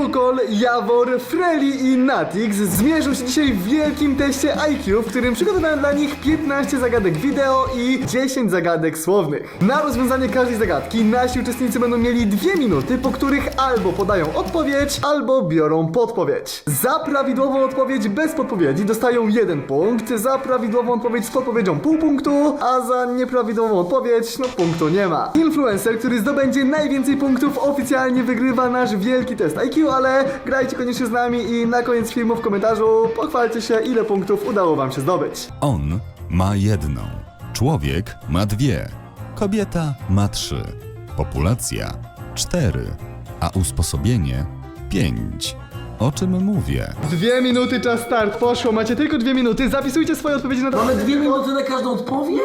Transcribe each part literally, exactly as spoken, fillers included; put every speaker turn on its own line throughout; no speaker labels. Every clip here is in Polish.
Mukol, Jawor, Freli i Natix zmierzą się dzisiaj w wielkim teście I Q, w którym przygotowałem dla nich piętnaście zagadek wideo i dziesięć zagadek słownych. Na rozwiązanie każdej zagadki nasi uczestnicy będą mieli dwie minuty, po których albo podają odpowiedź, albo biorą podpowiedź. Za prawidłową odpowiedź bez podpowiedzi dostają jeden punkt, za prawidłową odpowiedź z podpowiedzią pół punktu, a za nieprawidłową odpowiedź, no punktu nie ma. Influencer, który zdobędzie najwięcej punktów, oficjalnie wygrywa nasz wielki test I Q, ale grajcie koniecznie z nami i na koniec filmu w komentarzu pochwalcie się, ile punktów udało wam się zdobyć.
On ma jedną, człowiek ma dwie, kobieta ma trzy, populacja cztery, a usposobienie pięć. O czym mówię?
Dwie minuty, czas start, poszło, macie tylko dwie minuty, zapisujcie swoje odpowiedzi na to.
Mamy dwie minuty na każdą odpowiedź?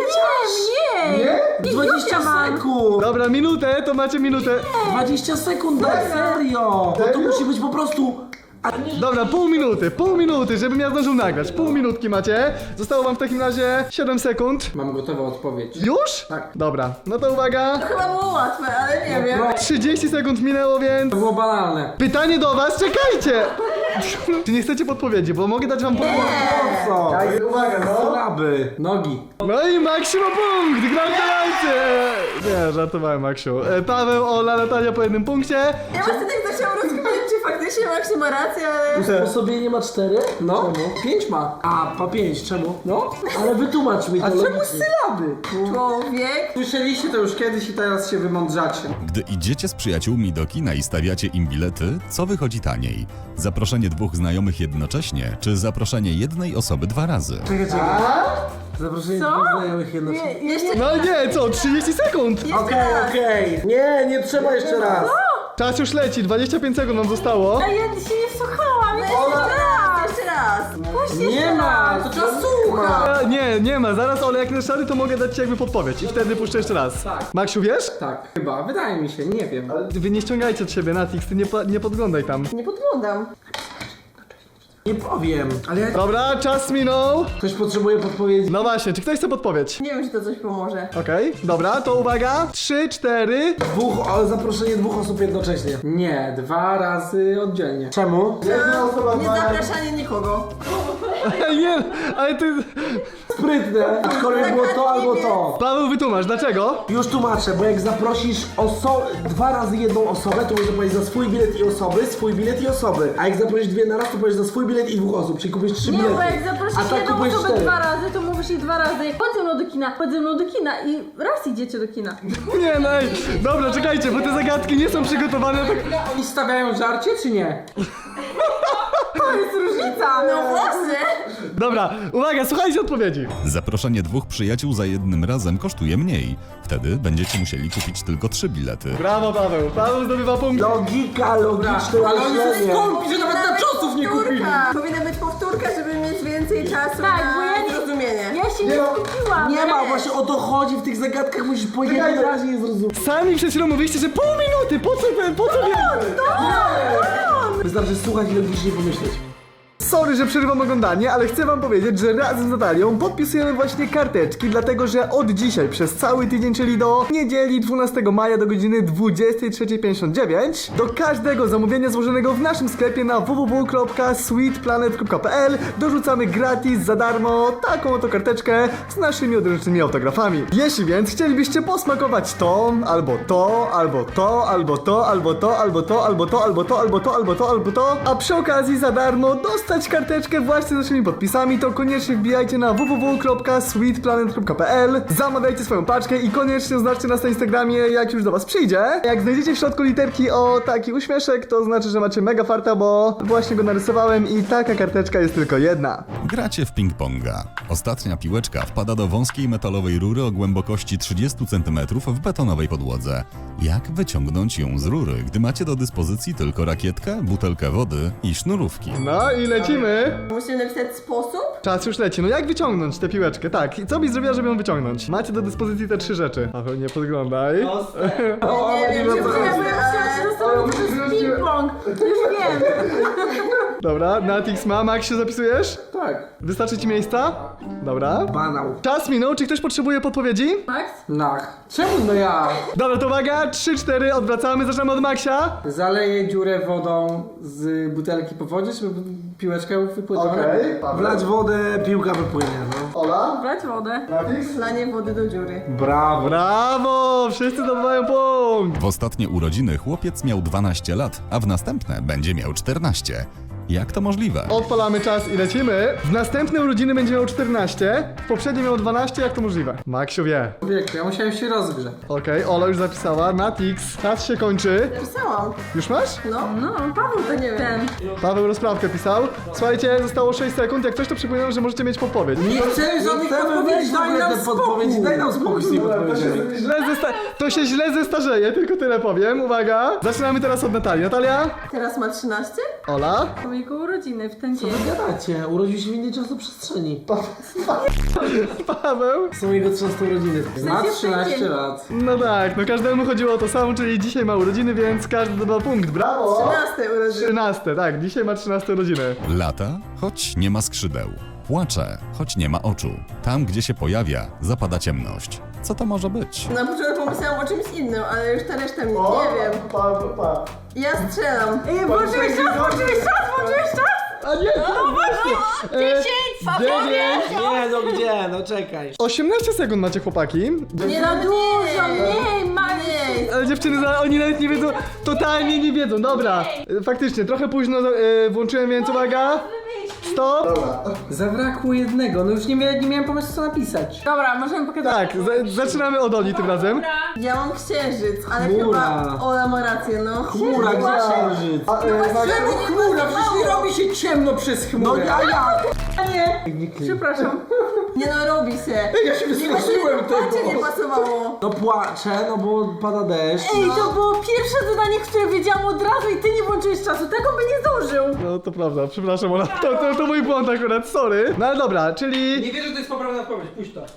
Nie, nie!
Nie?
dwadzieścia sekund!
Dobra, minutę, to macie minutę.
dwadzieścia sekund, daj, serio! Bo to musi być po prostu... A nie, że...
Dobra, pół minuty, pół minuty, żebym ja zdążył nagrać. Pół minutki macie. Zostało wam w takim razie siedem sekund.
Mam gotową odpowiedź.
Już?
Tak.
Dobra, no to uwaga.
Chyba było łatwe, ale nie wiem.
trzydzieści sekund minęło, więc...
To było banalne.
Pytanie do was, czekajcie! Czy nie chcecie podpowiedzi, bo mogę dać wam podpowiedź.
Po co?
Daj, uwaga, no.
Sylaby, nogi.
No i Maksiu ma punkt, gratulacje! Nie, żartowałem, Maksiu. E, Paweł, Ola, Natalia po jednym punkcie.
Ja właśnie tak zaczęłam rozkminiać, czy faktycznie Maksiu ma rację, ale...
Usposobienie ma cztery? No. Czemu? Pięć ma. A, pa pięć, czemu? No. Ale wytłumacz mi to. A czemu sylaby?
Człowiek...
Słyszeliście to już kiedyś i teraz się wymądrzacie.
Gdy idziecie z przyjaciółmi do kina i stawiacie im bilety, co wychodzi taniej? Zaproszenie dwóch znajomych jednocześnie, czy zaproszenie jednej osoby dwa razy?
Czekaj, czekaj. Zaproszenie
Co?
dwóch znajomych jednocześnie.
Nie, jeszcze...
No nie, co, trzydzieści sekund?
Jeszcze
Okej,
raz.
okej. Nie, nie trzeba jeszcze raz.
Czas już leci, dwadzieścia pięć sekund nam zostało.
A ja się nie wsłuchałam, jeszcze raz, jeszcze raz. Właśnie
Nie
jeszcze
ma,
raz.
to trzeba słuchać.
E, Nie, nie ma, zaraz, ale jak szary, to mogę dać ci jakby podpowiedź i wtedy puszczę jeszcze raz.
Tak.
Maksiu, wiesz?
Tak, chyba, wydaje mi się, nie wiem.
Wy nie ściągajcie od siebie, Natix, ty nie, pa- nie podglądaj tam.
Nie podglądam.
Nie powiem, ale jak
Dobra, czas minął.
ktoś potrzebuje podpowiedzi.
No właśnie, czy ktoś chce podpowiedź?
Nie wiem, czy to coś pomoże.
Okej, dobra, to uwaga. Trzy, cztery.
Dwóch, ale zaproszenie dwóch osób jednocześnie. Nie, dwa razy oddzielnie. Czemu?
Nie zapraszanie nikogo.
Nie, ale ty...
Sprytne. Aczkolwiek było to albo to.
Paweł, wytłumacz, dlaczego?
Już tłumaczę, bo jak zaprosisz oso dwa razy jedną osobę, to możesz powiedzieć za swój bilet i osoby, swój bilet i osoby. A jak zaprosisz dwie na raz, to powiesz za swój bilet i dwóch osób, czyli kupisz trzy
Nie,
bilety.
bo jak zaprosisz
A tak
jedną
kupujesz
osobę
cztery.
dwa razy, to mówisz ich dwa razy. Chodź ze mną do kina, chodź ze mną do kina i raz idziecie do kina.
Nie, no ej. Dobra, czekajcie, bo te zagadki nie są przygotowane tak...
Oni stawiają żarcie, czy nie?
To jest różnica. No właśnie.
Dobra, uwaga, słuchajcie odpowiedzi.
Zaproszenie dwóch przyjaciół za jednym razem kosztuje mniej. Wtedy będziecie musieli kupić tylko trzy bilety.
Brawo, Paweł. Paweł zdobywa punkt.
Logika, logiczne Ale oni są myślenie. skąpi, że nawet na czasów nie kupili.
Powinna być powtórka, żeby mieć więcej czasu
Tak,
na
bo ja nie-
zrozumienie.
Ja się nie skupiłam.
Nie ma, właśnie o to chodzi, w tych zagadkach musisz po jednym razie je zrozumieć.
Sami przed chwilą mówiliście, że pół minuty, po co, po co wiem?
Wystarczy słuchać i logicznie pomyśleć.
Sorry, że przerywam oglądanie, ale chcę wam powiedzieć, że razem z Natalią podpisujemy właśnie karteczki, dlatego że od dzisiaj przez cały tydzień, czyli do niedzieli dwunastego maja do godziny dwudziestej trzeciej pięćdziesiąt dziewięć, do każdego zamówienia złożonego w naszym sklepie na w w w kropka sweetplanet kropka p l dorzucamy gratis, za darmo, taką oto karteczkę z naszymi odręcznymi autografami. Jeśli więc chcielibyście posmakować to, albo to, albo to, albo to, albo to, albo to, albo to, albo to, albo to, albo to, albo to, a przy okazji za darmo dostać karteczkę właśnie z naszymi podpisami, to koniecznie wbijajcie na w w w kropka sweetplanet kropka p l, zamawiajcie swoją paczkę i koniecznie oznaczcie nas na Instagramie, jak już do was przyjdzie. Jak znajdziecie w środku literki o taki uśmieszek, to znaczy, że macie mega farta, bo właśnie go narysowałem i taka karteczka jest tylko jedna.
Gracie w ping-ponga. Ostatnia piłeczka wpada do wąskiej metalowej rury o głębokości trzydzieści centymetrów w betonowej podłodze. Jak wyciągnąć ją z rury, gdy macie do dyspozycji tylko rakietkę, butelkę wody i sznurówki?
No i lecimy.
Musimy napisać sposób?
Czas już leci. No jak wyciągnąć tę piłeczkę? Tak. I co byś zrobiła, żeby ją wyciągnąć? Macie do dyspozycji te trzy rzeczy. Paweł, nie podglądaj.
Nie wiem,
nie
czy
wiem,
to
Ja byłem chciała się zastanowić, to jest ping-pong. Już wiem.
Dobra, Natix ma. Maxiu, zapisujesz?
Tak.
Wystarczy ci miejsca? Dobra.
Banał.
Czas minął, czy ktoś potrzebuje podpowiedzi?
Max?
Nach. Czemu no ja?
Dobra, to uwaga, trzy cztery, odwracamy, zaczynamy od Maxia.
Zaleję dziurę wodą z butelki po wodzie, żeby piłeczkę wypłynęła.
Okej, Paweł.
Wlać wodę, piłka wypłynie, no.
Ola?
Brać wodę.
Natix?
Lanie wody do dziury.
Brawo.
Brawo! Wszyscy zdobywają punkt!
W ostatnie urodziny chłopiec miał dwanaście lat, a w następne będzie miał czternaście. Jak to możliwe?
Odpalamy czas i lecimy. W następne urodziny będzie miał czternaście, w poprzedniej miał dwanaście, jak to możliwe? Maxiu wie.
Wieku, ja musiałem się rozgrzać.
Okej, Ola już zapisała, Natix, czas się kończy.
Pisałam.
Już masz?
No, no, Paweł to nie wiem. Ten.
Paweł rozprawkę pisał. Słuchajcie, zostało sześć sekund, jak coś to przypominam, że możecie mieć podpowiedź.
Nie chcemy żadnych podpowiedzi, daj nam podpowiedzi, daj nam spokój z tymi
To się,
podpowiedziami.
źle zesta- to się źle zestarzeje, tylko tyle powiem. Uwaga. Zaczynamy teraz od Natalii. Natalia?
Teraz ma trzynaście?
Ola?
To jego urodziny w ten
Co
dzień.
wy gadacie? Urodził się w innej czasoprzestrzeni.
Paweł?
Są jego trzynaste urodziny. Ma
sensie w ten
trzynaście
dzień.
lat.
No tak, no każdemu chodziło o to samo, czyli dzisiaj ma urodziny, więc każdy zdobył punkt. Brawo!
trzynaste urodziny.
trzynaste, tak, dzisiaj ma trzynaste urodziny.
Lata, choć nie ma skrzydeł. Płacze, choć nie ma oczu. Tam, gdzie się pojawia, zapada ciemność. Co to może być?
Na początku pomyślałam o czymś innym, ale już ta reszta mnie nie wiem.
Pa, pa, pa.
Ja strzelam.
Ej, włączyłeś czas, włączyłeś czas, włączyłeś czas!
A nie, no właśnie! dziewięć!
Nie, no gdzie? No czekaj.
osiemnaście sekund macie, chłopaki.
Nie za dużo, mniej, mniej!
Ale dziewczyny, za- oni nawet nie wiedzą, totalnie nie wiedzą. Dobra, e, faktycznie, trochę późno e, włączyłem, więc uwaga. Stop!
Zabrakło jednego, no już nie, mia nie miałem pomysłu co napisać.
Dobra, możemy pokazać.
Tak, za zaczynamy od Oli tym razem.
Ja mam księżyc, ale
Chmura.
chyba Ola ma rację, no.
Chmura, gdzie księżyc?
A, e, Max-
Żeby nie
Chmura, przecież nie robi się ciemno przez chmurę. No ja, ja.
Przepraszam.
Nie no, robi się.
Ja się
Nie
wystraszyłem
Patrzcie, nie
tego.
pasowało.
No płaczę, no bo pada deszcz.
Ej, to było pierwsze zadanie, które wiedziałam od razu i ty nie włączyłeś czasu, tego by nie zdążył.
No to prawda, przepraszam Ola, to, to, to mój błąd akurat, sorry. No ale dobra, czyli...
Nie wierzę, że to jest poprawna odpowiedź, puść to.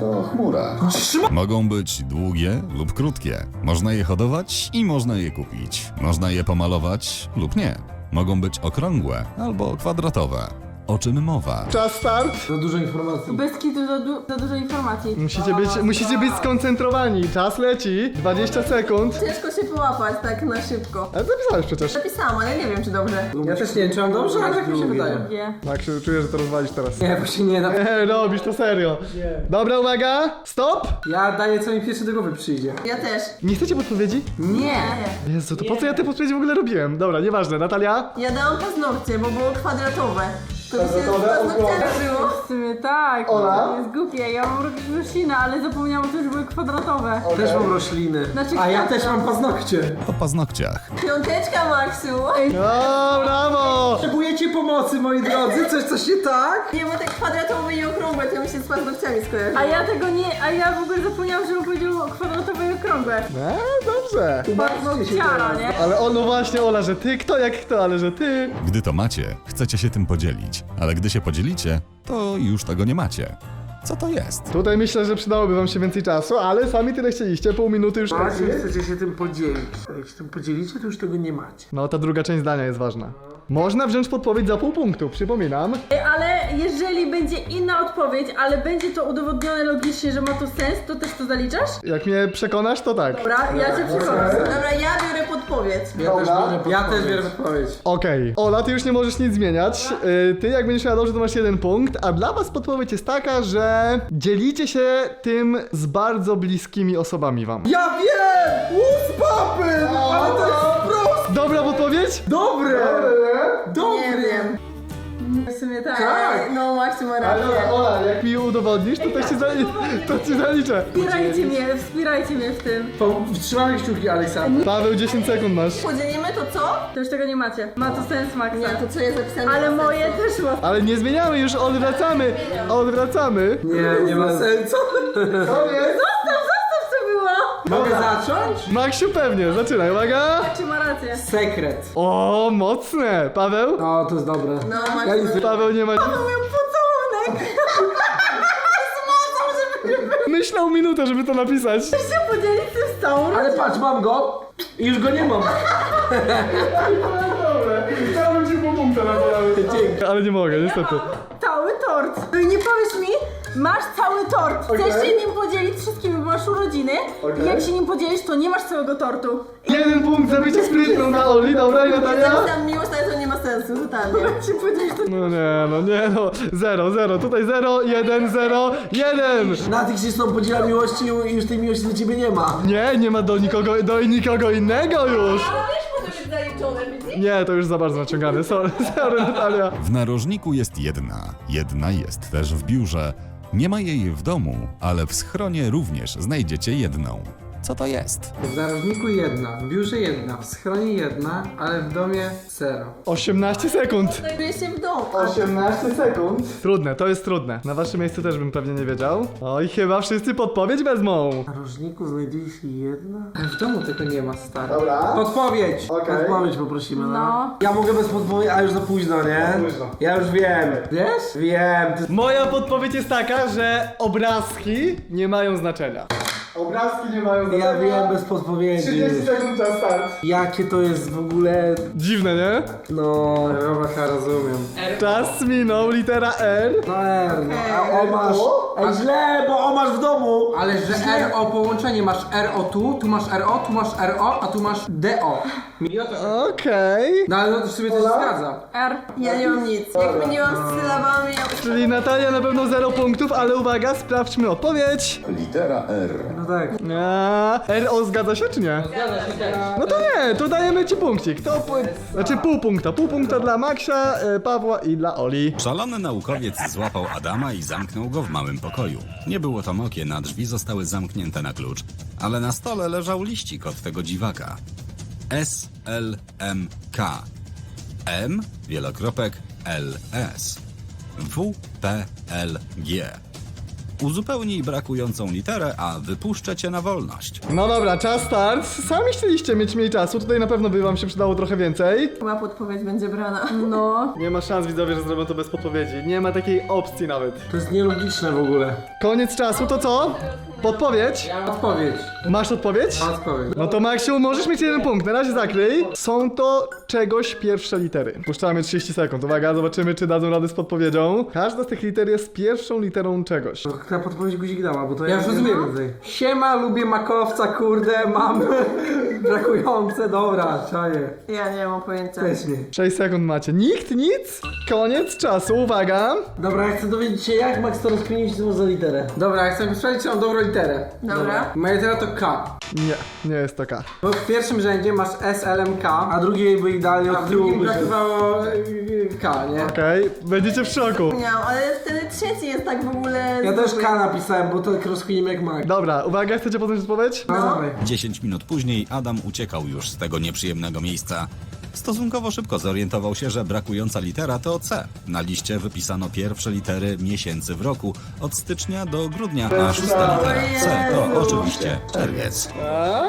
Mogą być długie lub krótkie. Można je hodować i można je kupić. Można je pomalować lub nie. Mogą być okrągłe albo kwadratowe. O czym mowa?
Czas start.
Za dużo informacji.
Bez kitu za, du za dużo informacji.
Musicie być, musicie być skoncentrowani, czas leci, dwadzieścia sekund.
Ciężko się połapać tak na szybko.
Ale zapisałeś przecież.
Zapisałam, ale nie wiem czy dobrze.
Ja też nie wiem, czy mam dobrze, ale tak mi się wydaje.
Wie.
Maksiu, czuję, że to rozwalisz teraz.
Nie, właśnie nie, no.
Nie, robisz to serio. Dobra, uwaga, stop.
Ja daję, co mi pierwszy do głowy przyjdzie.
Ja też.
Nie chcecie podpowiedzi?
Nie.
Jezu, to po co ja te podpowiedzi w ogóle robiłem? Dobra, nieważne, Natalia?
Ja dałam paznokcie, bo było kwadratowe. To mi się z
Kwadratowe?
paznokciami żyło.
W sumie tak,
Ola?
to jest głupie. Ja mam roślinę, ale zapomniałam, że już były kwadratowe.
Też mam rośliny.
Znaczy
A ja
kwiatka.
też mam paznokcie.
O paznokciach.
Piąteczka, Maksiu.
O, brawo!
Potrzebujecie pomocy, moi drodzy? Coś, coś nie tak?
Nie, bo te kwadratowe i okrągłe to mi się z paznokciami skojarzyło.
A ja tego nie, a ja w ogóle zapomniałam, że on powiedział kwadratowe i okrągłe.
No, dobrze.
Ciara, nie?
Ale o, no właśnie, Ola, że ty, kto jak kto, ale że ty.
Gdy to macie, chcecie się tym podzielić. Ale gdy się podzielicie, to już tego nie macie. Co to jest?
Tutaj myślę, że przydałoby wam się więcej czasu, ale sami tyle chcieliście, pół minuty już.
Macie, chcecie się tym podzielić. Jak się tym podzielicie, to już tego nie macie.
No, ta druga część zdania jest ważna. Można wziąć podpowiedź za pół punktu, przypominam.
Ej, Ale jeżeli będzie inna odpowiedź, ale będzie to udowodnione logicznie, że ma to sens, to też to zaliczasz?
Jak mnie przekonasz, to tak.
Dobra, ja cię przekonam.
Dobra, ja biorę podpowiedź.
Ja też biorę Ja też biorę odpowiedź.
Okej. Ola, ty już nie możesz nic zmieniać. Yy, Ty, jak będziesz miała dobrze, to masz jeden punkt. A dla was podpowiedź jest taka, że dzielicie się tym z bardzo bliskimi osobami wam.
Ja wiem! Łódź papy! Ale to jest proste!
Dobra podpowiedź?
Dobre!
Nie
Dobre!
wiem.
W sumie tak.
Tak!
No, Maksiu ma rację.
Ola, jak mi udowodnisz, to też ci, za... to ci zaliczę.
Wspierajcie mnie, wspierajcie mnie w tym.
Po- Trzymamy kciuki, Aleksander.
Paweł, dziesięć sekund masz.
Podzielimy to co?
To już tego nie macie. Ma to sens, Maxa.
Nie, to co jest zapisane.
Ale
ma
moje
sensu.
też ma.
Ale nie zmieniamy już, odwracamy. Odwracamy.
Nie, nie ma sensu.
To jest.
Zostaw, zostaw co było!
Mogę zacząć?
Maksiu, pewnie, zaczynaj, uwaga.
Czy ma rację?
Sekret.
O, mocne. Paweł?
No, to jest dobre.
No,
Ja
Maksiu
nic
ma
Paweł nie ma...
Miał pocałunek. Z mocą, żeby...
Myślał minutę, żeby to napisać.
Chcesz się podzielić tym z całą
Ale patrz, mam go i już go nie mam.
Dobra, chciałbym ci pół punkta na to. Ale nie mogę, niestety.
Cały tort. No i nie powiesz mi, masz cały tort. Chcesz
Okej.
się nim podzielić wszystkim, bo masz urodziny.
Okej.
I jak się nim podzielisz, to nie masz całego tortu.
Jeden punkt za bycie sprytną na Oli, dobra i Natalia?
Tam miłość, ale to nie ma sensu, totalnie.
Jak się podzielisz, to
No nie, no nie no, zero, zero, tutaj zero, jeden, zero, jeden!
Na tych się z tą podziela miłości i już tej miłości do ciebie nie ma.
Nie, nie ma do nikogo, do nikogo innego już!
Ale wiesz, może być zaliczone, widzisz?
Nie, to już za bardzo naciągane, sorry, sorry Natalia.
W narożniku jest jedna, jedna jest też w biurze. Nie ma jej w domu, ale w schronie również znajdziecie jedną. Co to jest?
W narożniku jedna, w biurze jedna, w schronie jedna, ale w domie zero.
osiemnaście sekund.
Znajduje się w domu.
osiemnaście sekund. Trudne, to jest trudne. Na waszym miejscu też bym pewnie nie wiedział. Oj, chyba wszyscy podpowiedź wezmą.
W narożniku znajduje się jedna?
Ale w domu tego nie ma, stary.
Dobra.
Podpowiedź!
Okej.
Odpowiedź poprosimy, no.
No.
Ja mogę bez podpowiedzi, a już za późno, nie?
Za późno.
Ja już wiem.
Wiesz?
Wiem. Ty...
Moja podpowiedź jest taka, że obrazki nie mają znaczenia. Obrazki nie mają znaczenia.
Ja wiem bez podpowiedzi.
sekund czas start.
Jakie to jest w ogóle...
Dziwne, nie?
No...
Robaka, rozumiem.
Czas minął, litera R.
No R, no. A o masz... Ej, źle, bo o masz w domu.
Ale że R O połączenie, masz R O tu, tu masz R O, tu masz R O, a tu masz D O. Mi o to...
Okej.
No ale no to w sumie to się zgadza.
R.
Ja nie mam nic. Jak wymieniłam z sylabami, ja...
Czyli Natalia na pewno zero punktów, ale uwaga, sprawdźmy odpowiedź.
Litera R.
No tak.
A, R O zgadza się czy nie?
Zgadza się też.
No to nie, to dajemy ci punkcik. To pu- znaczy pół punkta. Pół punkta dla Maksia, e, Pawła i dla Oli.
Szalony naukowiec złapał Adama i zamknął go w małym pokoju. Nie było tam okien, a drzwi zostały zamknięte na klucz. Ale na stole leżał liścik od tego dziwaka. S L M K. M, wielokropek, L S. W P L G. Uzupełnij brakującą literę, a wypuszczę cię na wolność.
No dobra, czas start. Sami chcieliście mieć mniej czasu, tutaj na pewno by wam się przydało trochę więcej.
Chyba podpowiedź będzie brana.
No.
Nie ma szans widzowie, że zrobią to bez podpowiedzi. Nie ma takiej opcji nawet.
To jest nielogiczne w ogóle.
Koniec czasu, to co? Podpowiedź?
Ja mam odpowiedź.
Masz odpowiedź?
Mam odpowiedź.
No to Maksiu, możesz mieć jeden punkt. Na razie zakryj. Są to czegoś pierwsze litery. Puszczamy trzydzieści sekund. Uwaga, zobaczymy, czy dadzą radę z podpowiedzią. Każda z tych liter jest pierwszą literą czegoś.
Ta podpowiedź guzik dała, bo to
Ja już rozumiem.
więcej.
Siema, lubię makowca, kurde, mam brakujące, dobra, czaję.
Ja nie mam pojęcia.
Też nie.
sześć sekund macie. Nikt, nic? Koniec czasu, uwaga.
Dobra, ja chcę dowiedzieć się, jak Max to rozkminić, co ma za literę.
Dobra, ja chcę sprawdzić, czy mam dobrą literę.
Dobra.
Moja litera to K.
Nie, nie jest to K.
Bo w pierwszym rzędzie masz S L M K,
A drugiej by idealnie
a
od
w
tyłu
drugim
by się...
brakowało y, K, nie?
Okej, będziecie w szoku.
Nie mam, ale wtedy trzeci jest tak w ogóle...
Ja też K napisałem, bo to rozkminimy jak Max.
Dobra, uwaga, chcecie poznać odpowiedź?
No, dawaj.
Dziesięć minut później Adam uciekał już z tego nieprzyjemnego miejsca. Stosunkowo szybko zorientował się, że brakująca litera to C. Na liście wypisano pierwsze litery miesięcy w roku, od stycznia do grudnia, a szósta litera C to oczywiście czerwiec.
A?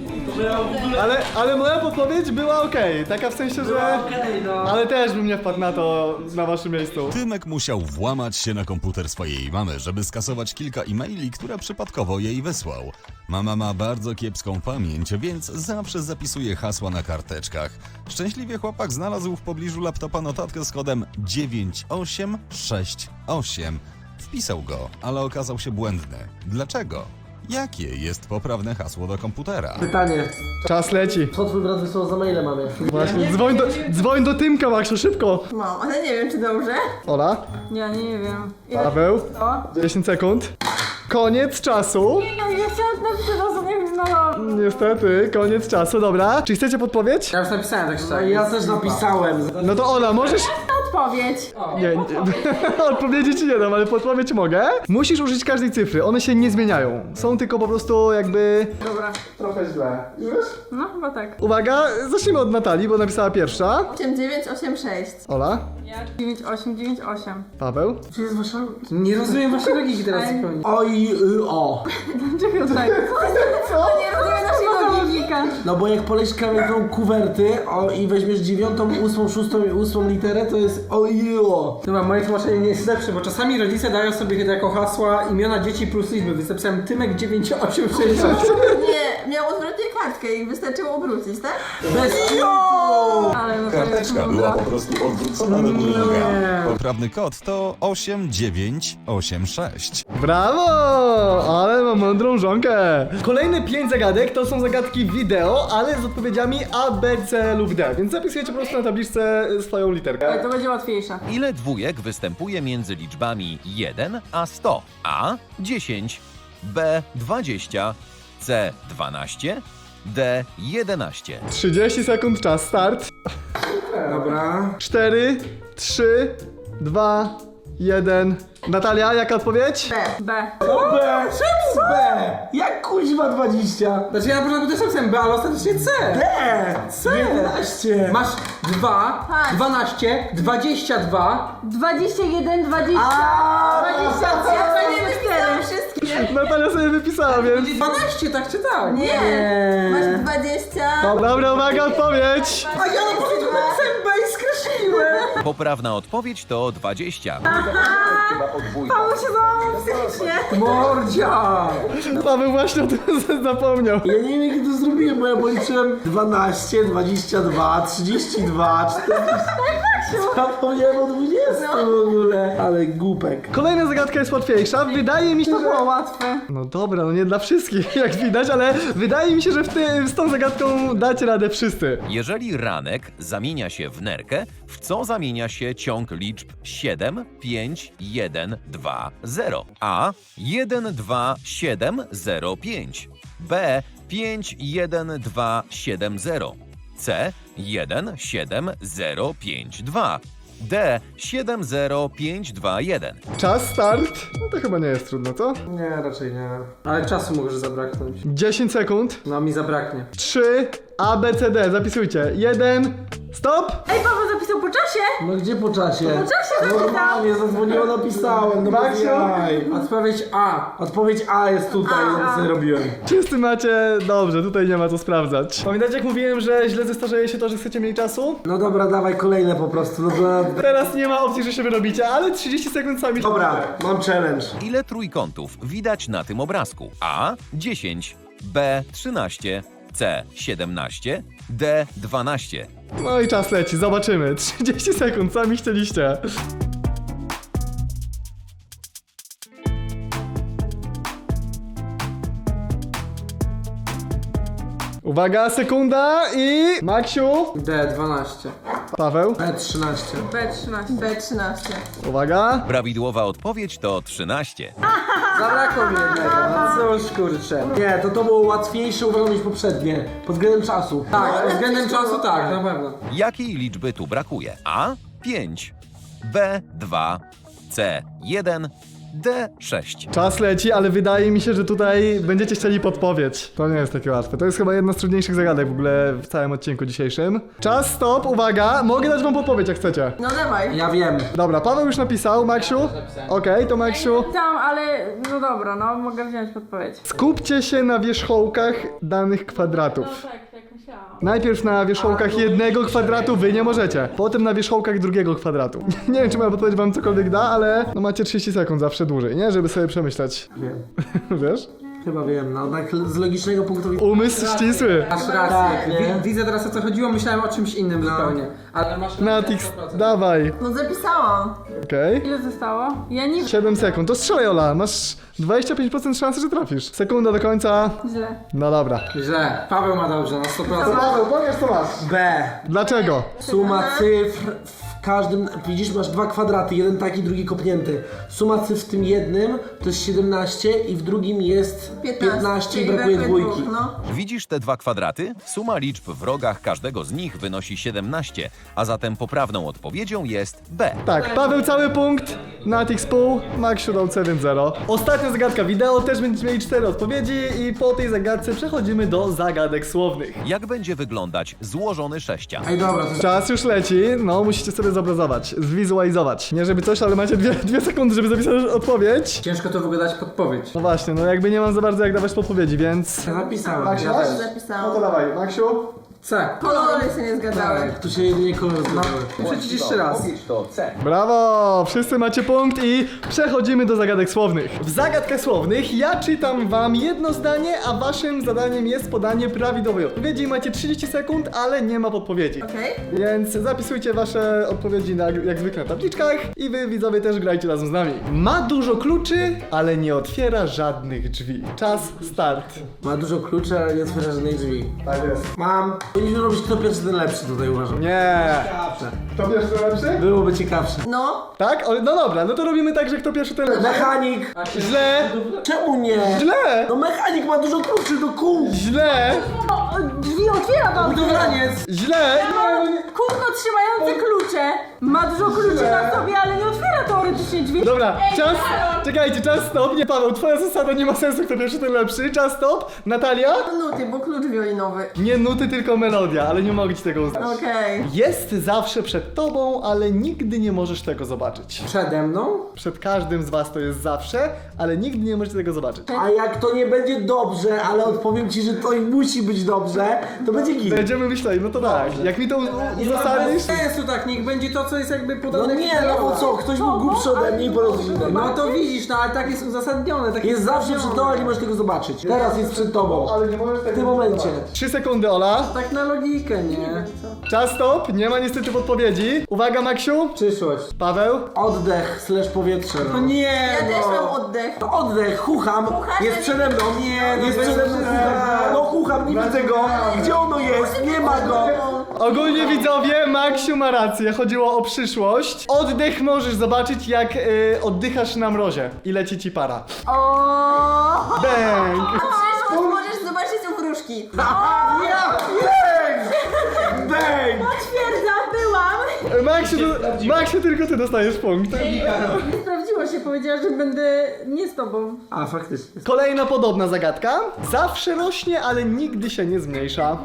Ale, ale moja podpowiedź była okej, taka w sensie, że... Ale też bym nie wpadł na to na waszym miejscu.
Tymek musiał włamać się na komputer swojej mamy, żeby skasować kilka e-maili, które przypadkowo jej wysłał. Mama ma bardzo kiepską pamięć, więc zawsze zapisuje hasła na karteczkach. Szczęśliwie chłopak znalazł w pobliżu laptopa notatkę z kodem dziewięć osiem sześć osiem. Wpisał go, ale okazał się błędny. Dlaczego? Jakie jest poprawne hasło do komputera?
Pytanie.
Czas leci.
Co twój brat wysłał za maile mamie?
Właśnie, dzwoń do, dzwoń do Tymka, Maksiu, szybko.
Mam, ale nie wiem, czy dobrze.
Ola,
Ja nie wiem. Ile
Paweł,
to?
dziesięć sekund. Koniec czasu.
No ja chciałam napisać, ale nie znałam.
Niestety, koniec czasu, dobra. Czy chcecie podpowiedź?
Ja już napisałem tak
No
szczerze.
i ja też napisałem.
No to Ola, możesz...
Odpowiedź.
Nie, nie. Odpowiedzi ci nie dam, ale podpowiedź mogę. Musisz użyć każdej cyfry, one się nie zmieniają. Są tylko po prostu jakby...
Dobra.
Trochę źle. Już?
No chyba tak.
Uwaga, zacznijmy od Natalii, bo napisała pierwsza.
osiem dziewięć osiem sześć.
Ola,
dziewięć osiem dziewięć osiem.
Paweł.
Czy jest wasza...
Nie rozumiem waszej logiki teraz zupełnie.
O i y, o.
Dlaczego tak?
O, nie rozumiem naszej logiki.
No bo jak polejesz kawałką kuwerty o, i weźmiesz dziewiątą, ósmą, szóstą i ósmą literę, to jest o i o.
Dobra, moje tłumaczenie nie jest lepsze, bo czasami rodzice dają sobie jako hasła imiona dzieci plus liczby. Więc napisałem Tymek dziewięć osiem sześć osiem.
Nie, miał odwrotnie kartkę i wystarczyło obrócić, tak?
Bez kitu!
Ale no to
Karteczka była po prostu odwrócona do góry nogami. Poprawny kod to osiem dziewięć osiem sześć.
Brawo! Ale mam mądrą żonkę. Kolejne pięć zagadek to są zagadki wideo, ale z odpowiedziami A, B, C lub D. Więc zapisujecie po prostu na tabliczce swoją literkę.
to będzie łatwiejsze.
Ile dwójek występuje między liczbami jeden a sto? A dziesięć, B dwadzieścia, C dwanaście, D jedenaście.
trzydzieści sekund, czas, start.
Dobra.
cztery, trzy, dwa, jeden. Natalia, jaka odpowiedź?
B.
B! Czemu B? Jak kuźwa dwadzieścia?
Znaczy ja na początku też napisałem B, ale ostatecznie C.
B! C! jedenaście!
Masz dwa,
Tak.
dwanaście, dwadzieścia dwa.
dwadzieścia jeden, dwadzieścia,
Aaaa!
dwadzieścia trzy,
Ja nie
dwadzieścia
wypisałam
cztery.
wszystkie.
Natalia sobie wypisała, więc...
dwanaście, tak czy tak?
Nie. Masz dwadzieścia.
Dobra, uwaga, odpowiedź!
A ja na początku napisałem B i skreśliłem.
Poprawna odpowiedź to dwadzieścia.
Paweł się załamał psychicznie.
Mordzia.
Paweł właśnie o tym zapomniał.
Ja nie wiem jak to zrobiłem, bo ja policzyłem dwanaście, dwadzieścia dwa, trzydzieści dwa, czterdzieści. Zapomniałem o dwudziestu w ogóle. Ale głupek.
Kolejna zagadka jest łatwiejsza. Wydaje mi się,
To
że...
było łatwe.
No dobra, no nie dla wszystkich, jak widać, ale wydaje mi się, że w ty, z tą zagadką dacie radę wszyscy.
Jeżeli ranek zamienia się w nerkę, w co zamienia się ciąg liczb siedem, pięć, jeden, dwa, zero? A jeden, dwa, siedem, zero, pięć. B pięć, jeden, dwa, siedem, zero. C jeden, siedem, zero, pięć, dwa. D siedem, zero, pięć, dwa, jeden.
Czas, start. No to chyba nie jest trudno, co?
Nie, raczej nie. Ale czasu może zabraknąć.
dziesięć sekund.
No mi zabraknie.
trzy, A, B, C, D. Zapisujcie. jeden, stop!
Ej, Paweł zapisał po czasie.
No gdzie po czasie? Po
czasie napisał.
Normalnie, zadzwoniło, napisałem. No bez
Maksiu?
jaj.
Odpowiedź A.
Odpowiedź A jest tutaj,
A,
ja
A.
sobie robiłem.
Wszyscy macie... Dobrze, tutaj nie ma co sprawdzać. Pamiętacie, jak mówiłem, że źle zestarzeje się to, że chcecie mniej czasu?
No dobra, dawaj kolejne po prostu. No to...
Teraz nie ma opcji, że się wyrobicie, ale trzydzieści sekund sami...
Dobra, mam challenge.
Ile trójkątów widać na tym obrazku? A dziesięć, B trzynaście, C siedemnaście, D dwanaście.
No i czas leci, zobaczymy. trzydzieści sekund, sami chcieliście. Uwaga, sekunda i... Maksiu.
D dwanaście.
Paweł.
B trzynaście.
B trzynaście.
B trzynaście.
Uwaga.
Prawidłowa odpowiedź to trzynaście.
Zabrakło mi jednego. No cóż kurczę.
Nie, to to było łatwiejsze uważam niż poprzednie. Pod względem czasu.
Tak, pod względem czasu tak, na pewno.
Jakiej liczby tu brakuje? A pięć, B dwa, C jeden, D sześć.
Czas leci, ale wydaje mi się, że tutaj będziecie chcieli podpowiedź. To nie jest takie łatwe. To jest chyba jedna z trudniejszych zagadek w ogóle w całym odcinku dzisiejszym. Czas, stop, uwaga. Mogę dać wam podpowiedź, jak chcecie.
No dawaj.
Ja wiem.
Dobra, Paweł już napisał, Maksiu. Okej, to Maksiu.
Tam, ale no dobra, no mogę wziąć podpowiedź.
Skupcie się na wierzchołkach danych kwadratów.
tak, jak myślałam.
Najpierw na wierzchołkach jednego kwadratu wy nie możecie. Potem na wierzchołkach drugiego kwadratu. Nie wiem, czy moja podpowiedź wam cokolwiek da, ale no macie trzydzieści sekund zawsze dłużej, nie? Żeby sobie przemyśleć.
Wiem.
Wiesz?
Chyba wiem, no tak z logicznego punktu widzenia.
Umysł ścisły.
Masz rację.
Tak, nie?
Wi- widzę teraz o co chodziło, myślałem o czymś innym zupełnie. Ale masz
Natix,
sto procent.
dawaj.
No zapisałam.
Okej.
Ile zostało? Ja nie...
siedem sekund. To strzelaj, Ola. Masz dwadzieścia pięć procent szansy, że trafisz. Sekunda do końca.
Źle.
No dobra.
Źle. Paweł ma dobrze, na sto procent.
Paweł, powiesz co masz.
B.
Dlaczego?
Suma cyfr w każdym, widzisz, masz dwa kwadraty, jeden taki, drugi kopnięty. Suma cyfr w tym jednym to jest siedemnaście i w drugim jest piętnaście, i
czyli
brakuje dwójki.
dwóch, no.
Widzisz te dwa kwadraty? Suma liczb w rogach każdego z nich wynosi siedemnaście, a zatem poprawną odpowiedzią jest B.
Tak, Paweł cały punkt, Natix pół, Maksiu dał C, więc zero. Ostatnia zagadka wideo, też będziecie mieli cztery odpowiedzi i po tej zagadce przechodzimy do zagadek słownych.
Jak będzie wyglądać złożony sześcian?
Ej, dobra, to
Czas już leci, no musicie sobie zobrazować, zwizualizować. Nie żeby coś, ale macie dwie, dwie sekundy, żeby zapisać odpowiedź.
Ciężko to w ogóle dać podpowiedź.
No właśnie, no jakby nie mam za bardzo jak dawać podpowiedzi, więc...
ja napisałem.
Maksiu,
Ja
masz?
też.
Zapisałam.
No to dawaj, Maksiu.
C.
Kolory się nie zgadzały.
Tak, tu się jedynie kolory zgadzały.
Muszę ci jeszcze raz.
Brawo! Wszyscy macie punkt i przechodzimy do zagadek słownych. W zagadkach słownych ja czytam wam jedno zdanie, a waszym zadaniem jest podanie prawidłowej odpowiedzi. Macie trzydzieści sekund, ale nie ma podpowiedzi.
Okej.
Więc zapisujcie wasze odpowiedzi na, jak zwykle na tabliczkach i wy widzowie też grajcie razem z nami. Ma dużo kluczy, ale nie otwiera żadnych drzwi. Czas start.
Ma dużo kluczy, ale nie otwiera żadnej drzwi.
Tak jest.
Mam. Powinniśmy robić kto pierwszy, ten lepszy tutaj uważam.
Nie. Kto pierwszy, to lepszy?
Byłoby ciekawsze.
No.
Tak? O, no dobra, no to robimy tak, że kto pierwszy, ten lepszy.
Mechanik!
Źle!
Czemu nie?
Źle!
No mechanik ma dużo kluczy do kół!
Źle!
O, drzwi otwiera wam!
Budowlaniec.
Źle!
Kółko trzymające klucze. Ma dużo kluczy na sobie, ale nie otwiera teoretycznie drzwi.
Dobra,
Ej,
czas.
Karol!
Czekajcie, czas stop. Nie, Paweł, twoja zasada nie ma sensu, kto pierwszy, ten lepszy. Czas stop. Natalia?
Nuty, bo klucz wiolinowy.
Nie nuty, tylko melodia, ale nie mogę ci tego uznać.
Okej.
Jest zawsze przed tobą, ale nigdy nie możesz tego zobaczyć.
Przede mną?
Przed każdym z was to jest zawsze, ale nigdy nie możecie tego zobaczyć.
A jak to nie będzie dobrze, ale odpowiem ci, że to i musi być dobrze, to będzie git.
Będziemy myśleli, no to tak. Jak mi to u- u- uzasadnisz?
Bez sensu tak, niech będzie to, co jest jakby
No
podane.
nie, no bo co, ktoś był głupszy ode mnie i podał coś innego.
No to widzisz, no ale tak jest uzasadnione. Tak
Jest zawsze przed tobą, ale nie możesz tego zobaczyć. Teraz jest przed tobą.
Ale nie możesz tego
W tym momencie.
zobaczyć. Trzy sekundy, Ola.
Tak na logikę, nie?
Czas stop. Nie ma niestety podpowiedzi. Uwaga, Maksiu.
Przyszłość.
Paweł.
Oddech slash powietrze.
No nie,
Ja
no.
też mam oddech.
To oddech, chucham,
Chuchasz,
jest
ale
przede mną.
Nie, no
jest
bez
przede mną.
przesady.
No chucham, nie widzę go. Gdzie ono jest? Nie ma go.
Ogólnie widzowie, Maksiu ma rację, chodziło o przyszłość. Oddech możesz zobaczyć, jak y, oddychasz na mrozie i leci ci para.
O.
Bang!
A przyszłość możesz zobaczyć u wróżki.
Ja wiem! Bang!
Potwierdzam, byłam.
Maksiu, to, Maksiu, tylko ty dostajesz punkt.
Nie sprawdziło się, powiedziała, że będę nie z tobą.
A faktycznie.
Kolejna podobna zagadka. Zawsze rośnie, ale nigdy się nie zmniejsza.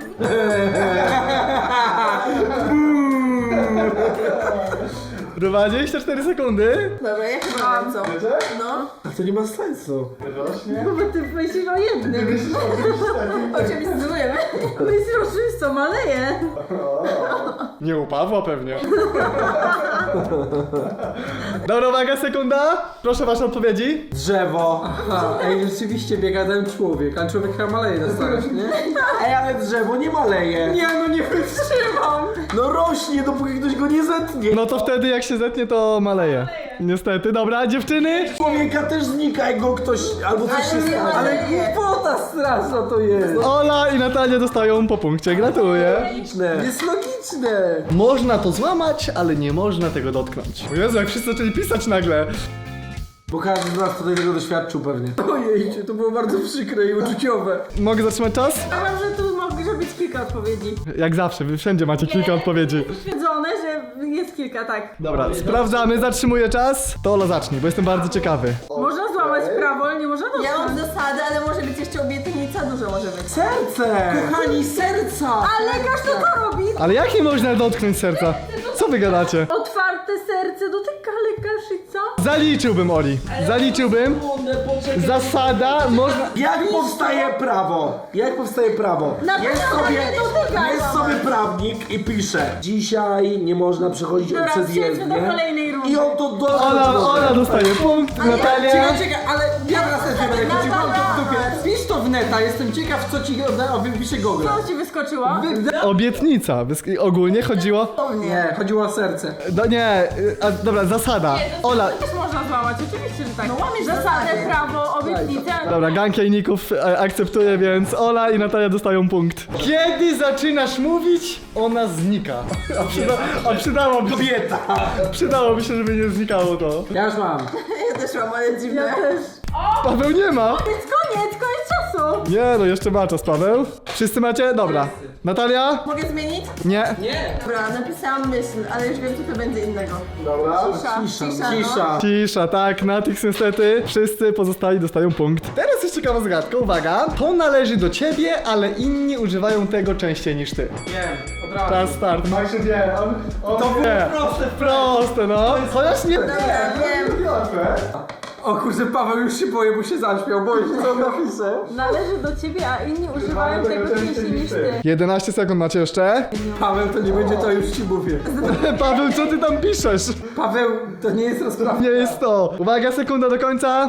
dwadzieścia cztery sekundy.
Dobra, ja chyba wiem co. No.
A to nie ma sensu.
No bo ty myślisz o jednym.
O czym zdecydujemy?
Myślisz o czymś, co maleje.
Nie u Pawła pewnie. Dobra, uwaga, sekunda. Proszę wasze odpowiedzi.
Drzewo.
Aha, ej, rzeczywiście biega ten człowiek, a człowiek chyba maleje na starość, nie?
Ej, ale drzewo nie maleje.
Nie, no nie wytrzymam.
No rośnie, dopóki ktoś go nie zetnie.
No to wtedy jak się zetnie, to maleje. Niestety. Dobra, dziewczyny.
Człowieka też znika, jak go ktoś albo coś się
Ale nie
stanie.
Ale
maleje.
głupota straszna to jest.
Ola i Natalia dostają po punkcie. Gratuluję.
Logiczne.
Jest logiczne.
Można to złamać, ale nie można tego dotknąć. O Jezu, jak wszyscy zaczęli pisać nagle.
Bo każdy z nas tutaj tego doświadczył pewnie.
Ojej, to było bardzo przykre i uczuciowe.
Mogę zatrzymać czas?
Uważam, że tu może być kilka odpowiedzi.
Jak zawsze, wy wszędzie macie kilka odpowiedzi.
Stwierdzone, że jest kilka, tak.
Dobra, sprawdzamy, zatrzymuję czas. To Ola zacznie, bo jestem bardzo ciekawy.
Można złamać prawo, ale nie można
Ja
dotknąć.
mam zasady, ale może być jeszcze obietnica, dużo może być.
Serce!
Kochani, serca!
A lekarz to co robi?
Ale jak nie można dotknąć serca? Co wy gadacie?
Otwarte serce dotyka lekarz i co?
Zaliczyłbym, Oli. Zaliczyłbym. Zasada, można...
Jak powstaje prawo? Jak powstaje prawo?
Na
Jest
prawo
sobie,
nie dotykaj.
jest sobie prawnik i pisze: dzisiaj nie można przechodzić
Dobra,
przez
przejdźmy
jezdnię.
do kolejnej rundy.
I on to do...
Ola, Ola dostaje punkt, Natalia...
Czekaj, czekaj, ale ja teraz też nie będę chodził, mam to w dupie. Wpisz to w neta, jestem ciekaw, co ci odda- o, wypisze Google.
Co ci wyskoczyło?
Obietnica. Wysk- Ogólnie chodziło...
Nie, chodziło o serce.
No nie, y, a, dobra, zasada. Ola...
Też można złamać, oczywiście, że tak.
No łamiesz
Zasadę,
zasady.
prawo, obietnicę.
Dobra, gang jajników e, akceptuje, więc Ola i Natalia dostają punkt. Kiedy zaczynasz mówić, ona znika. A, przyda, a przydałoby się,
Kobieta!
przydałoby się, żeby nie znikało to.
Ja już mam.
Ja też mam, ale dziwne.
Ja też.
Paweł nie ma.
Jest koniec, koniec czasu.
Nie, no jeszcze ma czas, Paweł. Wszyscy macie? Dobra. Natalia?
Mogę zmienić?
Nie.
Nie.
Dobra, napisałam myśl, ale już wiem, co to będzie innego.
Dobra.
Cisza, cisza, no.
Cisza.
Cisza, tak, Natix niestety. Wszyscy pozostali dostają punkt. Teraz jest ciekawa zagadka, uwaga. To należy do ciebie, ale inni używają tego częściej niż ty.
Wiem, od razu.
Czas start. Maksiu wie, on, on
To było
wie.
proste.
Proste, no. Chociaż nie...
Dobra, wiem.
O kurczę, Paweł już się boję, bo się zaśmiał, boję się, co on napisze.
Należy do ciebie, a inni używają tego częściej niż ty.
jedenaście sekund macie jeszcze.
Paweł, to nie będzie to, już ci mówię.
Paweł, co ty tam piszesz?
Paweł, to nie jest rozprawa.
Nie jest to. Uwaga, sekunda do końca.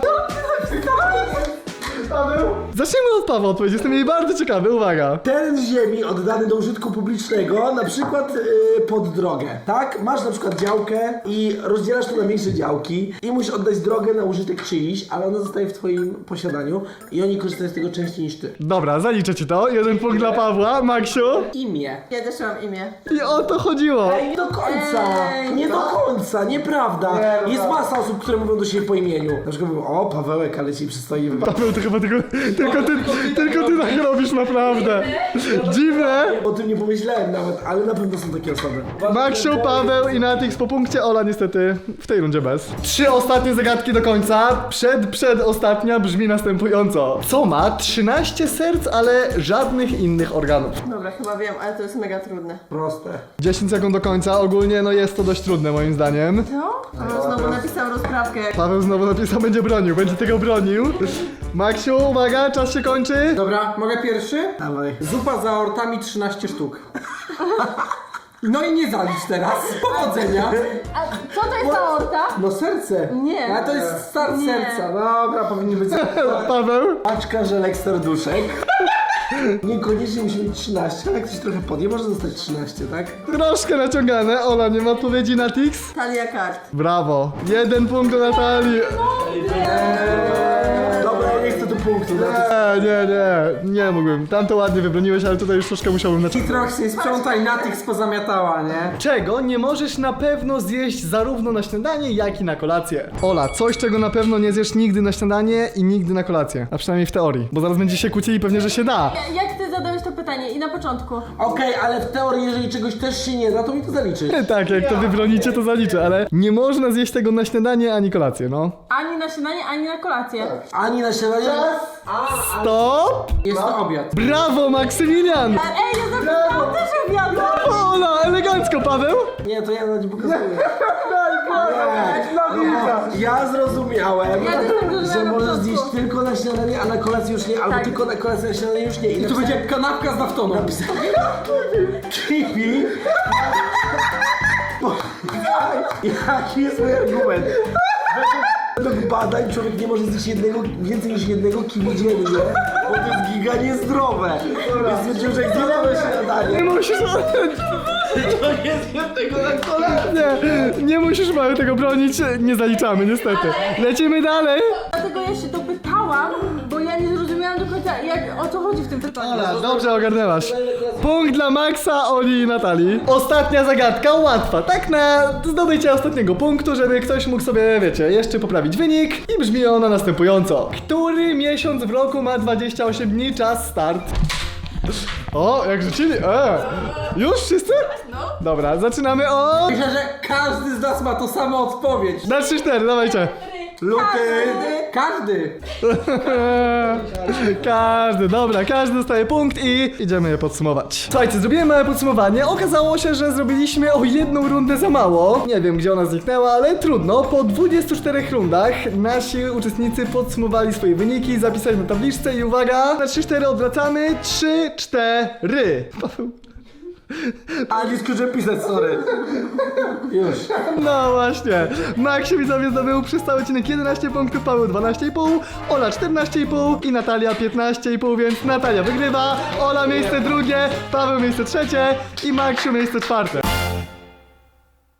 Paweł? Zacznijmy od Pawła odpowiedzi, jestem jej bardzo ciekawy, uwaga.
Teren ziemi oddany do użytku publicznego, na przykład yy, pod drogę, tak? Masz na przykład działkę i rozdzielasz to na mniejsze działki i musisz oddać drogę na użytek czyjś, ale ona zostaje w twoim posiadaniu i oni korzystają z tego częściej niż ty.
Dobra, zaliczę ci to. Jeden punkt dla Pawła. Maksiu?
Imię.
Ja też mam imię.
I o to chodziło.
Ej, nie do końca,
Ej,
nie
no.
do końca, nieprawda. Jest masa osób, które mówią do siebie po imieniu. Na przykład mówią, o Pawełek, ale ci przystoi.
Paweł, to chyba tylko, tylko ty, tylko ty tak robisz naprawdę. Dziwne.
O tym nie pomyślałem nawet, ale na pewno są takie osoby.
Maksiu, Paweł i Natix po punkcie, Ola niestety w tej rundzie bez. Trzy ostatnie zagadki do końca. Przed, przedostatnia brzmi następująco. Co ma trzynaście serc, ale żadnych innych organów?
Dobra, chyba wiem, ale to jest mega trudne.
Proste.
dziesięć sekund do końca. Ogólnie no jest to dość trudne moim zdaniem.
Co? Paweł znowu napisał rozprawkę.
Paweł znowu napisał, będzie bronił, będzie tego bronił. Maksiu, uwaga, czas się kończy.
Dobra, mogę pierwszy?
Dawaj.
Zupa z aortami trzynaście sztuk. No i nie zalicz teraz. Powodzenia.
A co to jest aorta?
No serce.
Nie.
A to jest start
Nie.
serca. Dobra, powinien być.
Paweł?
Paczka żelek serduszek. Niekoniecznie musi mieć trzynaście, ale jak ktoś trochę podje, może zostać trzynaście, tak?
Troszkę naciągane. Ola, nie ma odpowiedzi na Tix?
Talia kart.
Brawo. Jeden punkt do Natalii.
Dobra, ja nie chcę tu punktu.
Nie, nie, nie. Nie mógłbym. Tam to ładnie wybroniłeś, ale tutaj już troszkę musiałbym naciągnąć.
Trochę się sprzątaj, Natix pozamiatała, nie?
Czego nie możesz na pewno zjeść zarówno na śniadanie, jak i na kolację? Ola, coś czego na pewno nie zjesz nigdy na śniadanie i nigdy na kolację. A przynajmniej w teorii. Bo zaraz będzie się kłócili pewnie, że się da.
Jak ty zadałeś to pytanie i na początku?
Okej, ale w teorii, jeżeli czegoś też się nie da, to mi to zaliczy.
Tak, jak to wybronicie, to zaliczę, ale nie można zjeść tego na śniadanie ani kolację, no.
Ani na śniadanie, ani na kolację.
Ani na śniadanie.
Stop!
Jest to obiad.
Brawo, Maksymilian!
Ej, ja zapisałam też obiadu!
Ola, elegancko, Paweł!
Nie, to ja na nie pokazuję. Nie. Ja zrozumiałem,
Ja też tak zrozumiałam
że
na
możesz
początku.
zjeść tylko na śniadanie, a na kolację już nie, albo
Tak.
tylko na kolację, na śniadanie już nie. I
I tu będzie kanapka z naftoną.
kiwi. Jaki jest mój argument? Według badań człowiek nie może zjeść jednego, więcej niż jednego kiwi dziennie, bo to jest giga niezdrowe. Więc stwierdziłem, że jak zjem to na śniadanie,
Nie musisz...
to nie zjem tego na kolację.
Nie, nie musisz Mały tego bronić, nie zaliczamy niestety. Lecimy dalej!
Dlatego ja się dopytałam, bo ja nie zrozumiałam do końca, jak, o co chodzi w tym pytaniu.
Ola, dobrze ogarnęłaś. Punkt dla Maxa, Oli i Natalii. Ostatnia zagadka, łatwa. Tak na zdobycie ostatniego punktu, żeby ktoś mógł sobie, wiecie, jeszcze poprawić wynik. I brzmi ona następująco. Który miesiąc w roku ma dwadzieścia osiem dni, czas start. O, jak rzucili? E, już wszyscy? No. Dobra, zaczynamy od...
Myślę, że każdy z nas ma to samo odpowiedź.
Na trzy cztery, dawajcie.
Luty.
Każdy.
Każdy, dobra, każdy dostaje punkt i idziemy je podsumować. Słuchajcie, zrobiłem małe podsumowanie. Okazało się, że zrobiliśmy o jedną rundę za mało. Nie wiem, gdzie ona zniknęła, ale trudno. Po dwudziestu czterech rundach nasi uczestnicy podsumowali swoje wyniki, zapisali na tabliczce i uwaga, na trzy cztery odwracamy. trzy cztery.
A nie skończyłem pisać, sorry. Już.
No właśnie. Maxie widzowie zdobył przez cały odcinek jedenaście punktów, Paweł dwanaście i pół, Ola czternaście i pół i Natalia piętnaście i pół, więc Natalia wygrywa, Ola miejsce drugie, Paweł miejsce trzecie i Maxiu miejsce czwarte.